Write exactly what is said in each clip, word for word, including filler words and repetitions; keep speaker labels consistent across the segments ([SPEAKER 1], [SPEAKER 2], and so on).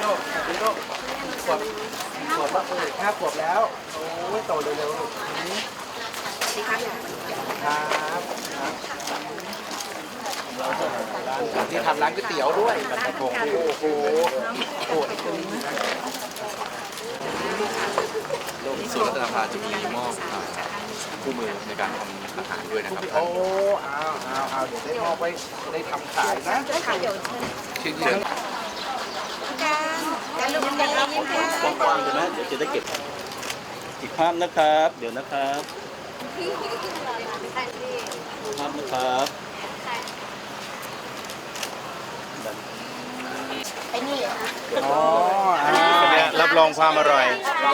[SPEAKER 1] ลูกสวัสดีลูกขวบขวบแล้วเลยห้าขวบแล้วโอ้ยโตเร็วๆลูกสวัสดีครับครับที่ทำร้านก๋วยเตี๋ยวด้วยกระพงโอ้โหโอ้โห
[SPEAKER 2] ส่วนรัฐสภาจะมีมอบคู่มือในการทำอาหารด้วยนะครับ
[SPEAKER 1] โอ้เอาเอาเอาเดี๋ยวได้มอบไว้ได้ทำขายนะชิ้นเยอะ
[SPEAKER 3] การลูกกันยิ้มค่ะ
[SPEAKER 4] กว้างๆเลยนะเดี๋ยวจะได้เก็บอีกภาพนะครับ เดี๋ยวนะครับภาพนะครับ
[SPEAKER 3] ไอ้นี่
[SPEAKER 1] อ๋ออ่า
[SPEAKER 4] รับรองความอร่อย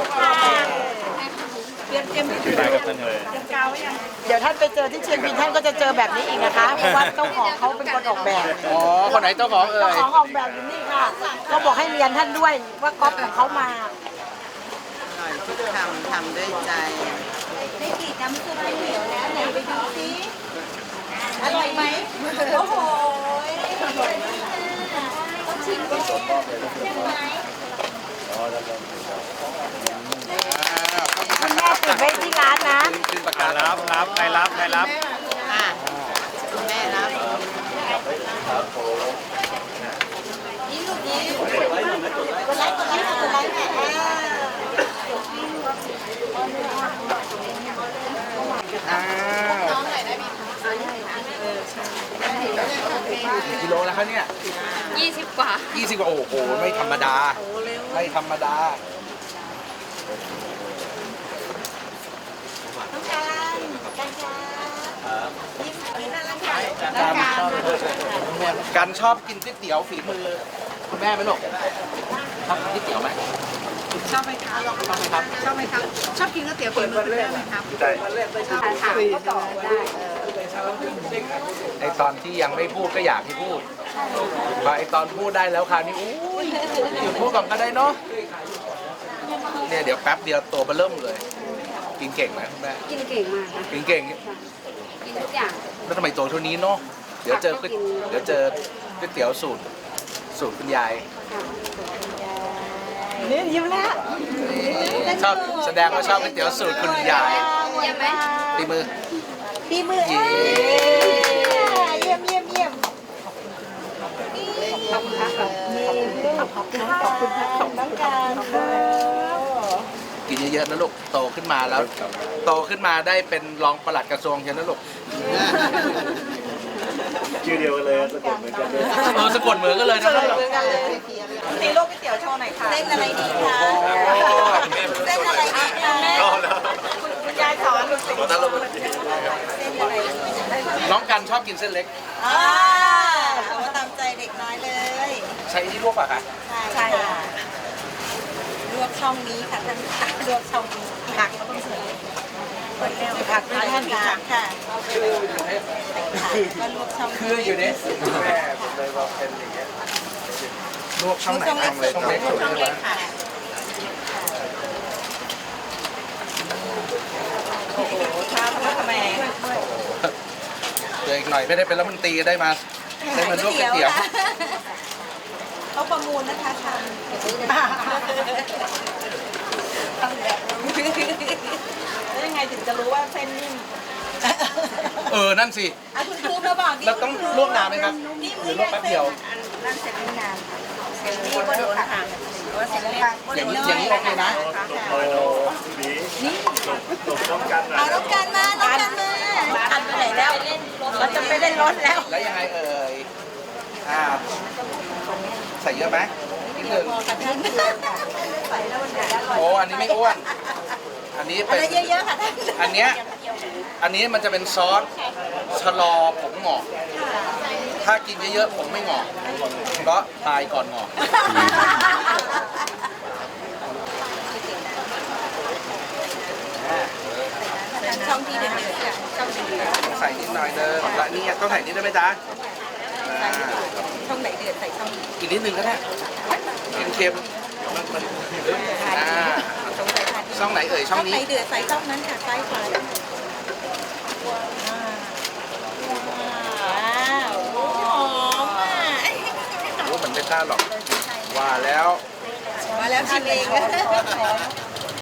[SPEAKER 3] เตรียมเตรียม
[SPEAKER 4] ได้ครับท่านเลย
[SPEAKER 3] เดี๋ยวท่านไปเจอที่เชียงบินท่านก็จะเจอแบบนี้อีกนะคะเพราะว่าเจ้าของเขาเป็นคนออกแบบ
[SPEAKER 1] อ๋อคนไหนเจ้าของเอ่
[SPEAKER 3] เจ้าย ของออกแบบอยู่นี่ค่ะก็บอกให้เรียนท่านด้วยว่าก๊อปของเขามา
[SPEAKER 5] อร่อยทุกคำทำด้วยใจ
[SPEAKER 3] ได้กลิ่นน้ำซุปเหนียวแล้วไหนไปดูซิอร่อยไหมโอ้โหต้องชิมด้วยใช่ไหมคุณแม่ติดไว้ที่ร้านนะ
[SPEAKER 1] ขึ้นประกาศ
[SPEAKER 4] รับรับใครรับใครรับ
[SPEAKER 5] ค่ะคุณแม่รับ
[SPEAKER 3] นี่ลูกนี้กดไลค์กดไลค์กดไลค์แม่
[SPEAKER 1] อ้าวกี่กิโลแล้วครับเนี่ย
[SPEAKER 6] ยี่สิบกว่า
[SPEAKER 1] ยี่สิบกว่าโอ้โหไม่ธรรมดาไม่ธรรมดา
[SPEAKER 3] ต้องการการชายิ้มยิ้มน่ารักค่ะ
[SPEAKER 1] การชอบการชอบกินก๋วยเตี๋ยวฝีมือคุณแม่ไหมลูกชอบกินก๋วยเตี๋ยวไหม
[SPEAKER 5] ชอบไหมคะ
[SPEAKER 1] ชอบไหมครับ
[SPEAKER 5] ชอบไหมครับชอบกินก๋วยเตี๋ยวฝีมือคุณแม่ไหมครับ
[SPEAKER 1] ได้
[SPEAKER 5] ชอบค่ะก็ต่อได้
[SPEAKER 1] ไอตอนที่ยังไม่พูดก็อยากให้พูดพอไอตอนพูดได้แล้วคราวนี้อุ้ยหยุดพูดก่อนก็ได้เนาะเนี่ยเดี๋ยวแป๊บเดียวตัวเบอเริ่มเลย กินเก่งไหมคุณแม่
[SPEAKER 6] กินเก่งมากค่ะ
[SPEAKER 1] กินเก่ง
[SPEAKER 6] กินทุกอย่าง
[SPEAKER 1] แล้วทำไมตัวเท่านี้เนาะเดี๋ยวเจอก๋วยเดี๋ยวเจอก๋วยเตี๋ยวสูตรสูตรคุณยาย
[SPEAKER 3] นี่ยิ้มแล้ว
[SPEAKER 1] ชอบแสดงว่าชอบก๋วยเตี๋ยวสูตรคุณยาย
[SPEAKER 6] เยี่ยมไหม
[SPEAKER 1] ตีมือ
[SPEAKER 3] ปีมือเยี่ยมเยี่ยมเยี่ยม
[SPEAKER 6] ขอบคุณค่ะ
[SPEAKER 3] ขอบคุณขอบคุณขอบคุณน้องการค่ะ
[SPEAKER 1] กินเยอะๆนะลูกโตขึ้นมาแล้ว โตขึ้นมาได้เป็นรองปลัดกระทรวงใช่ไหมลูก
[SPEAKER 4] ชื่อเดียวกันเลยสะกดเหมือนกันเลย
[SPEAKER 1] เออสะกดเหมือนกันเลยนะลูก
[SPEAKER 5] ตีโลกก๋วยเตี๋ยวโชว์หน่อยค่ะ
[SPEAKER 3] เส้นอะไรดีคะเส้นอะไรดีคะ
[SPEAKER 5] คุณยายสอน
[SPEAKER 3] เส้นอะไร
[SPEAKER 1] น้องกันชอบกินเส้นเล็ก
[SPEAKER 3] อ่าเอามาตามใจเด็กน้อยเลย
[SPEAKER 1] ใช้ที่ลวกป่ะคะ
[SPEAKER 3] ใช่ค่ะลวกช่องนี้ค่ะท่านลวกช่องนี้ผักก็ต้องเสิร์ฟผักด้วยท่านค่ะค่ะก็ลวกช่อง
[SPEAKER 1] คืออยู่เนี่ยแม่ผมเลยบอกเป็นอย่างเงี้ยลวกช่องไหนช่องเล็กช่องเล็กสุด
[SPEAKER 3] ช่อง
[SPEAKER 1] ใช่ไหม
[SPEAKER 3] เล็กค่ะโอ้โหชาพระขแมง
[SPEAKER 1] เดี๋ยวอีกหน่อยไม่ได้เป็นรัฐมนตรีได้มาได้มาลวกก๋วยเตี๋ยว
[SPEAKER 3] เขาประมูลนะคะชามแล้วยังไงถึงจะรู้ว่าเส้นนิ่ม
[SPEAKER 1] เออนั่นสิ
[SPEAKER 3] อ่ะคุณครูมาบอกดิ
[SPEAKER 1] แล้วต้องลวกนานไหมครับหรือลวกแป๊บเดียว
[SPEAKER 3] นั่นเสร็จไม่นานเสร็จนี่ก็โดนค่ะว่าเสร็จแล้วค่ะ
[SPEAKER 1] อย่างนี้อย่างนี้โอเคนะ
[SPEAKER 3] นี่เอาน้องกันมาน้องกันมากันไปไหนแล้วเราจะไปเล่นรถแล้ว
[SPEAKER 1] แล้วยังไงเอ่ยอ่าใส่เยอะไหมนิดนึง
[SPEAKER 3] ใส่แล้วมันจะอร่อย
[SPEAKER 1] โอ้อันนี้ไม่อ้วน อันนี้
[SPEAKER 3] อะ
[SPEAKER 1] เป็น
[SPEAKER 3] ไรเยอะๆค่ะท่าน
[SPEAKER 1] อันเนี้ยอันนี้มันจะเป็นซอสชะลอผมหงอก ถ้ากินเยอะๆผมไม่หงอกเพราะตายก่อนหงอก
[SPEAKER 3] ช่องที่เดือดๆค่ะช่องที่เดือด
[SPEAKER 1] ใส่นิดหน่อยเดิมและนี่ต้องใส่นิดได้ไหมจ๊ะอ่า
[SPEAKER 3] ช่องไหนเดือดใส่ช่องนี้
[SPEAKER 1] อีกนิดนึงก็ได้เค็มๆมันมันอ่า
[SPEAKER 3] ช่องไหนค่ะ
[SPEAKER 1] ช่องไหนเอ่ยช่อง
[SPEAKER 3] ไหน
[SPEAKER 1] นี้
[SPEAKER 3] เดือดใส่ช่องนั้นค่ะซ้ายขวาว้าวหอมอ่ะ
[SPEAKER 1] โอ้เหมือนไม่กล้าหรอก
[SPEAKER 3] ใช่
[SPEAKER 1] ว่าแล้ว
[SPEAKER 3] มาแล้วชิมเอง